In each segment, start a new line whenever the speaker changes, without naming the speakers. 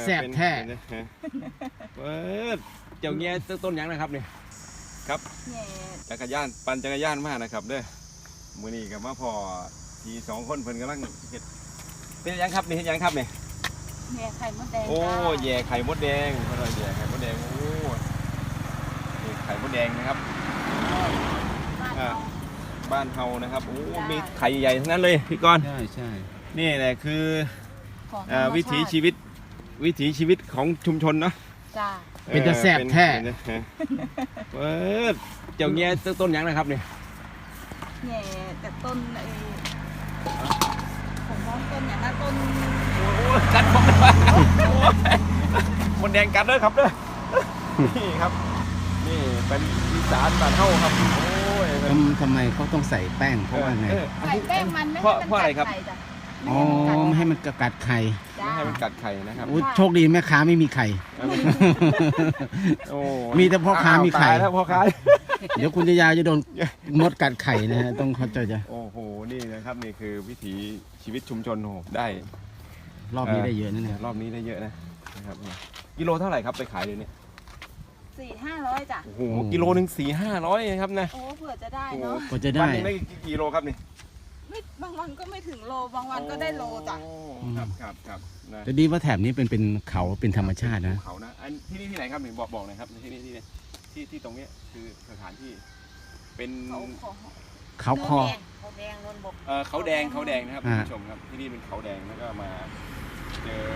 แซ่บแท้
เปิดเจ้าเงี้ยต้นยังนะครับเนี่ยครับจักรยานปั่นจักรยานมากนะครับเด้อมื้อนี้กับมาพอที2 คนเพิ่นกำลังเฮ็ดเป็นยังครับนี่เฮ็ดยังครับเนี่ย
แย่ไข่มดแดง
โอ้แย่ไข่มดแดงเพิ่นว่าแย่ไข่มดแดงโอ้นี่ไข่มดแดงนะครับบ้านเฮานะครับโอ้มีไข่ใหญ่ทั้งนั้นเลยพี่กรณ์
ใช่
นี่แหละคือวิถีชีวิตของชุมชนเนาะ
จ้า
เป็นจะแซ่บแท้
เปิดเจ้าเงี้ยต้นยังนะครับเนี่ย
แย่แต่ต้นผมมองต้นอย่างนั้นต้น
โอ้กัดมดแดงกัดเลยครับเด้อนี่ครับนี่เป็นอีสานบ้านเฮาครับโอ้ย
ทำไมเขาต้องใส่แป้งเพราะว่าไง
ใส่แป้งมันไม่
เพราะอะไรครับ
อ๋อไม่ให้มันกัดไข่
ไม่ให้มันกัดไข่นะครับ
โชคดีแม่ค้าไม่มีไข่มีแต่พ่อค้ามีไข่
แล้วพ่อค้า
เดี๋ยวคุณยาจะโดนมดกัดไข่นะฮะต้องเข้าใจจ้ะ
โอ้โหนี่นะครับนี่คือวิถีชีวิตชุมชนโหได้
รอบนี้ได้เยอะนะเนี่ย
รอบนี้ได้เยอะนะครับกิโลเท่าไหร่ครับไปขายเลยเนี่ย
400-500จ้ะ
โอ้โหกิโลนึง400-500ครับนะ
โอ้เผื่อจะได้เนาะ
เผื่อจะได้
ได้กี่โลครับนี่
บางวันก็ไม่ถึงโลบางวันก็ได้โลจ้ะ
ครับ
แต่ดีว่าแถบนี้เป็นเขาเป็นธรรมชาตินะ
เขานะอันที่นี่ที่ไหนครับหนึ่งบอกหน่อยครับที่นี่ที่ตรงนี้คือสถานที่เป็น
เขาคอ
เขาแดงนนบก
เขาแดงนะครับคุณผู้ชมครับที่นี่เป็นเขาแดงแล้วก็มาเจอ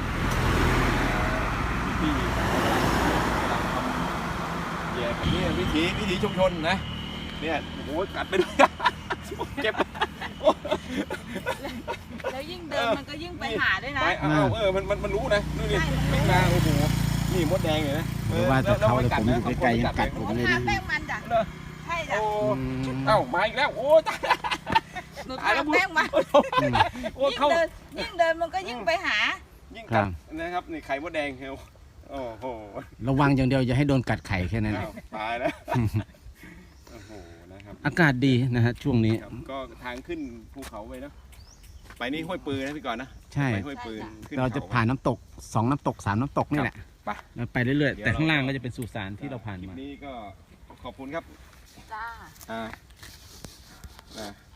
พี่กำลังทำแย่แบบนี้วิถีชุมชนนะเนี่ยโอ้โหกัดไปด้วยเก็บ
แล้วยิ่งเดินมันก็ยิ่งไปหาด้วยนะ
มันรู้นะนู่นนี่ไม่มาโอ้โหนี่มดแดงเลยนะ
ว่าแต่เขาเลยผมอยู่ใกล้ๆยังกัดผมเลย
แป้งมันจ้ะใช่จ้ะ
มาอีกแล้วโอ้ตาย
หนูทาแป้งมันยิ่งเดินมันก็ยิ่งไปหา
ยิ่งกัดนะครับนี่ไข่มดแดงเฮลโอ้โห
ระวังอย่างเดียวอย่าให้โดนกัดไข่แค่นั้น
ตายแล้วโอ้โหนะครับ
อากาศดีนะฮะช่วงนี้
ก็ทางขึ้นภูเขาไปเนาะไปนี่ห้วยปืนนะพี่ก่อนนะ
ใช่
ห้วยปืน
เราจะผ่านน้ำตก2 น้ำตก 3 น้ำตกนี่แหละไปเรื่อยๆแต่ข้างล่างก็จะเป็นสุสานที่เราผ่านมา
นี่ก็ขอบคุณครับ
จ้า